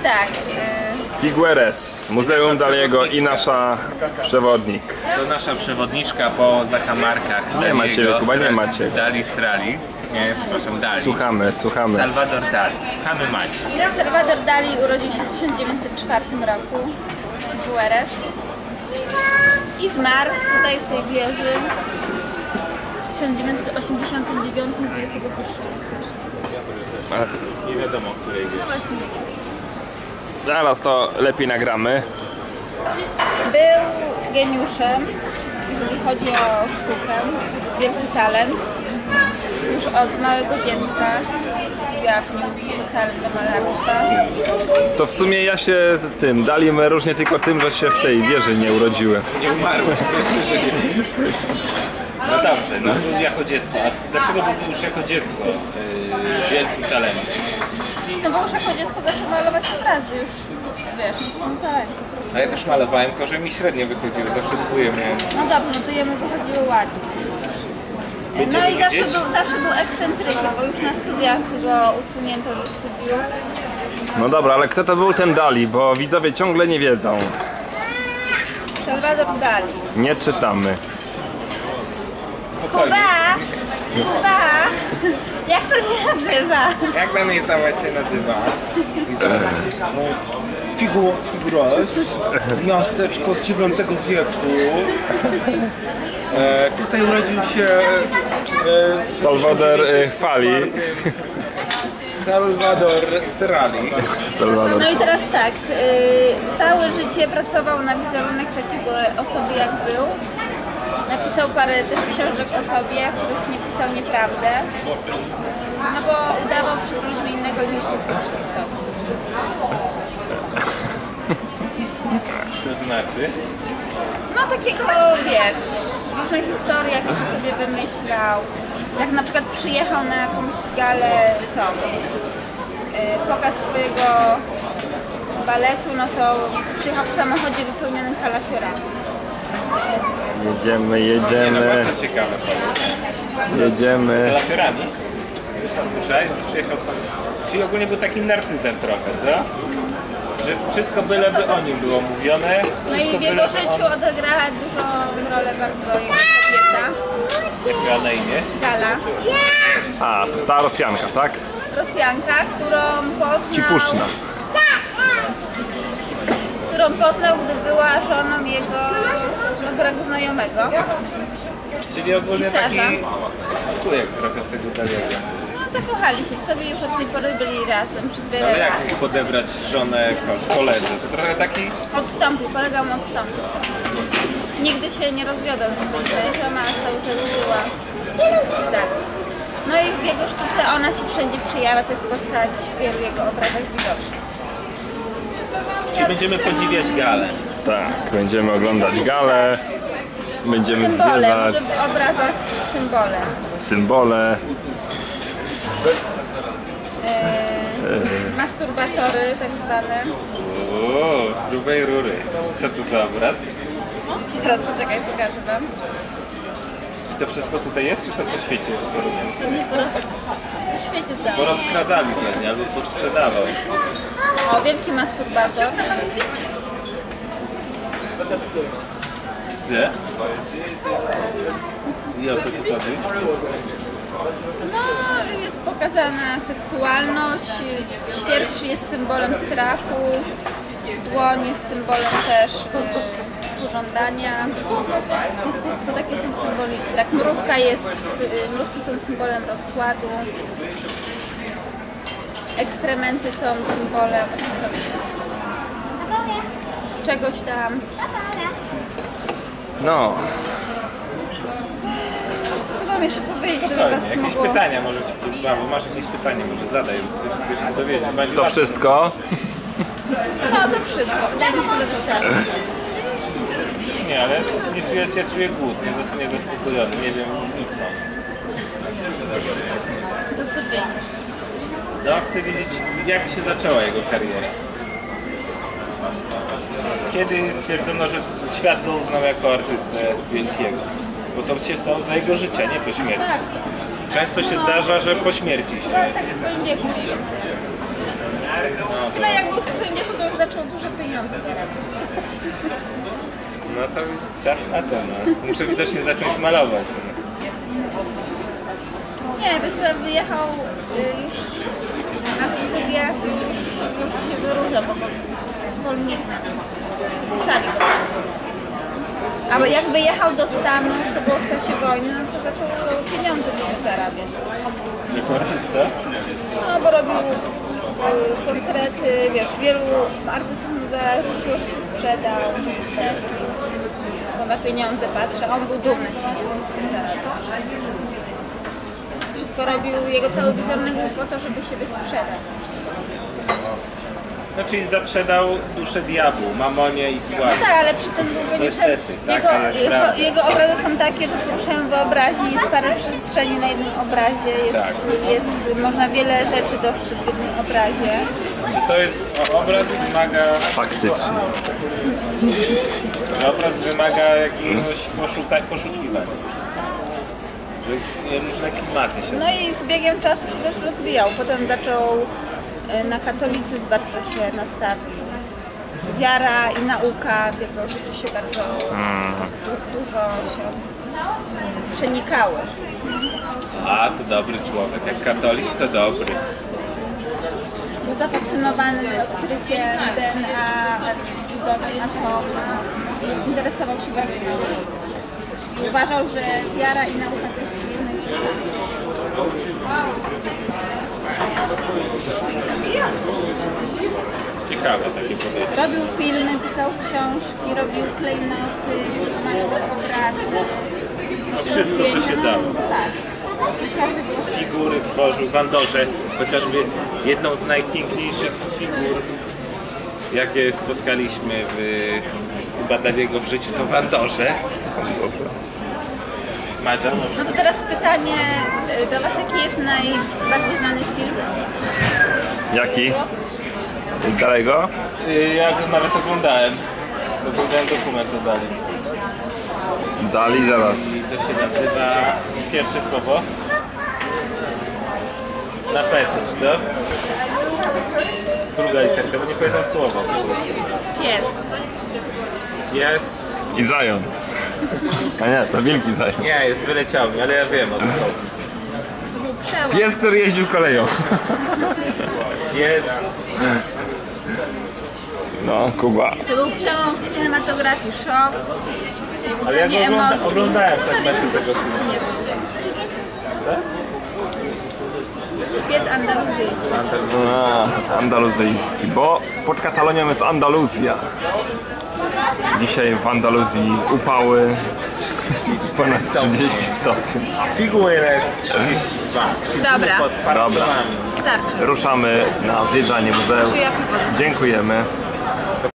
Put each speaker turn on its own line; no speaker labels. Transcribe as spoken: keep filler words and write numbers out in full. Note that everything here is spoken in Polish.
tak.
Figueres, Muzeum Daliego i nasza przewodnik.
To nasza przewodniczka po zakamarkach.
Nie macie, chyba nie macie.
Dali Strali. Nie, przepraszam, Dali.
Słuchamy, słuchamy.
Salvador Dali. Słuchamy Maci.
Salvador Dali urodził się w tysiąc dziewięćset czwartym roku w Figueres i zmarł tutaj w tej wieży w tysiąc dziewięćset osiemdziesiątym dziewiątym dwudziestego pierwszego stycznia.
Nie wiadomo, w której wieży.
No właśnie.
Zaraz to lepiej nagramy.
Był geniuszem, jeżeli chodzi o sztukę, wielki talent. Już od małego dziecka ujawnił swój talent do malarstwa.
To w sumie ja się z tym Dalim różnię tylko tym, że się w tej wieży nie urodziłem.
Nie umarłeś, wiesz, że nie. No dobrze, no był jako dziecko. A dlaczego był już jako dziecko yy, wielkim talentem?
No bo już jako dziecko zaczął malować obrazy już, wiesz, no tak.
A ja też malowałem, to że mi średnio wychodziły, zawsze dwóje miałem.
No dobrze, no to jemu wychodziło ładnie. No
Będziemy
i zawsze
widzieć?
był, zawsze był ekscentrykiem, bo już na studiach go usunięto ze studiów.
No dobra, ale kto to był ten Dali, bo widzowie ciągle nie wiedzą.
Salvador Dali.
Nie czytamy.
Spokojnie.
Kuba! Kuba! Jak to się nazywa?
Jak na mnie ta się nazywa?
Figu, Figueres, miasteczko z dziewiątego wieku. E, tutaj urodził się e, w
Salvador e, chwali.
Salvador Strali.
Salvador.
No i teraz tak, yy, całe życie pracował na wizerunek takiego osoby jak był. Napisał parę też książek o sobie, w których nie pisał nieprawdę. No bo udawał przed ludźmi innego niż jest w rzeczywistości.
To znaczy?
No takiego, wiesz, różne historie, jakie się sobie wymyślał. Jak na przykład przyjechał na jakąś galę, to yy, pokaz swojego baletu, no to przyjechał w samochodzie wypełnionym kalafiorami.
Jedziemy,
Nie, no
jedziemy,
bardzo ciekawe.
jedziemy.
Kalafiorami? Słyszałeś? Przyjechał sam. Czyli ogólnie był takim narcyzem trochę, co? Że wszystko byleby o nim było mówione.
No i w jego życiu odegrała dużą rolę bardzo jego kobieta,
Jak miała na imię?
Gala.
A, to ta Rosjanka, tak?
Rosjanka, którą poznał,
Cipuszna.
którą poznał, gdy była żoną jego dobrego znajomego.
Czyli ogólnie
Pisarza.
taki człowiek trochę z tego Daliego.
No zakochali się w sobie, już od tej pory byli razem przez wiele
Ale
lat.
jak mógł podebrać żonę ko- koledze? To trochę taki...
Odstąpił, kolega mu odstąpił. Nigdy się nie rozwiodł z swoim mężem, a cały czas żyła z Dali. No i w jego sztuce ona się wszędzie przyjęła, to jest postać w wielu jego obrazach widoczna.
Czyli będziemy podziwiać galę.
Tak, będziemy oglądać galę. Będziemy
Symbole,
zwiedzać
może w obrazach symbole.
symbole.
Eee, masturbatory tak zwane.
Uuu, z grubej rury. Co tu za obraz?
Zaraz poczekaj, pokażę wam.
I to wszystko tutaj jest, czy to po świecie jest?
Pewnie po, roz... po świecie
Bo
całym.
rozkradali pewnie, albo posprzedawał.
O, wielki masturbator.
Gdzie? I o co tu chodzi?
No, jest pokazana seksualność, świerszcz jest symbolem strachu, dłoń jest symbolem też y, pożądania. To takie są symboli. Tak, mrówka jest, y, mrówki są symbolem rozkładu. Ekstrementy są symbolem czegoś tam.
No,
Co tu wam jeszcze powiedzieć, co by
Spokojnie,
was
jakieś
mogło...
pytania może ci podam, bo masz jakieś pytanie, może zadaj, coś chcesz się dowiedzieć. Będzie
to
łatwo.
wszystko.
No to wszystko, wydaje mi się, że wystarczy.
Nie, ale nie czuję, ja czuję głód, nie zostanie niezaspokojony, nie wiem nic o nim.
To chcesz wiedzieć jeszcze?
No, chcę wiedzieć, jak się zaczęła jego kariera. Kiedy stwierdzono, że świat go uznał jako artystę wielkiego? Bo to się stało za jego życia, nie po śmierci. Często się zdarza, że po śmierci się.
No tak w swoim wieku mniej więcej.
No,
Chyba jak był w twoim wieku, pieniądze zarabiać.
No to czas na to, no. Muszę widocznie zacząć malować.
Nie, wiesz co, wyjechał y, już na studiach, już, już się wyróża, bo go zwolnili. Pisali go. A jak wyjechał do Stanów, co było w czasie wojny, no to zaczął pieniądze dużo zarabiać.
Dekorysta?
No bo robił y, portrety, wiesz, wielu artystów mu zarzuciło, że się sprzedał, że wystąpił. Bo na pieniądze patrzy, on był dumny z pieniędzy, które zarabiał. Wszystko robił, jego cały wizerunek był po to, żeby siebie sprzedać.
No czyli zaprzedał duszę diabłu, mamonie i sławie.
No tak, ale przy tym długo nie
Niestety,
jego,
taka jest
jego,
prawda.
jego obrazy są takie, że poruszają wyobraźnię, jest parę przestrzeni na jednym obrazie, jest,
Tak.
jest, można wiele rzeczy dostrzec w jednym obrazie.
To jest, o, obraz wymaga,
Faktycznie.
obraz wymaga jakiegoś poszuka, poszukiwania. Że różne klimaty się.
No i z biegiem czasu się też rozwijał. Potem zaczął e, na katolicyzm bardzo się nastawił. Wiara i nauka w jego życiu się bardzo du- dużo się mm, przenikały.
A, to dobry człowiek. Jak katolik, to dobry.
Był zafascynowany odkryciem D N A, budowy atomu. Interesował się bardzo nauką. I uważał, że wiara i nauka to jest jedno i to samo.
Ciekawe takie podejście.
Robił filmy, pisał książki, robił klejnoty, wykonał obrazy.
Wszystko, co się dało.
Tak. I każdy był
Figury tworzył w Andorze, chociażby jedną z najpiękniejszych figur, jakie spotkaliśmy w Badawiego w życiu, to w Andorze. Madzia?
No to teraz pytanie y, do Was, jaki jest najbardziej znany film?
Jaki? Dalego?
Y, Ja go nawet oglądałem. Oglądałem dokument o Dali.
Dali zaraz.
I to się nazywa pierwsze słowo. Na P coś, co? Druga literka, bo nie pamiętam słowa.
Jest.
Jest...
I zając. A nie, to wielki zając.
Nie, jest wyleciał mi, ale ja wiem o co chodzi.
To był przełom.
Pies, który jeździł koleją.
Jest...
No, Kuba.
To był przełom w kinematografii, szok,
Ale ja go
budzenie
ogląda,
emocji.
oglądałem
No,
fragmenty
to
tego
się
filmu.
nie będzie. Pies andaluzyjski.
A, andaluzyjski, bo pod Katalonią jest Andaluzja. Dzisiaj w Andaluzji upały ponad trzydzieści stopni.
A figura jest trzydzieści dwa.
Dobra.
Pod parcelami.
Starczy.
Ruszamy na zwiedzanie muzeum.
Proszę, jak woda.
Dziękujemy.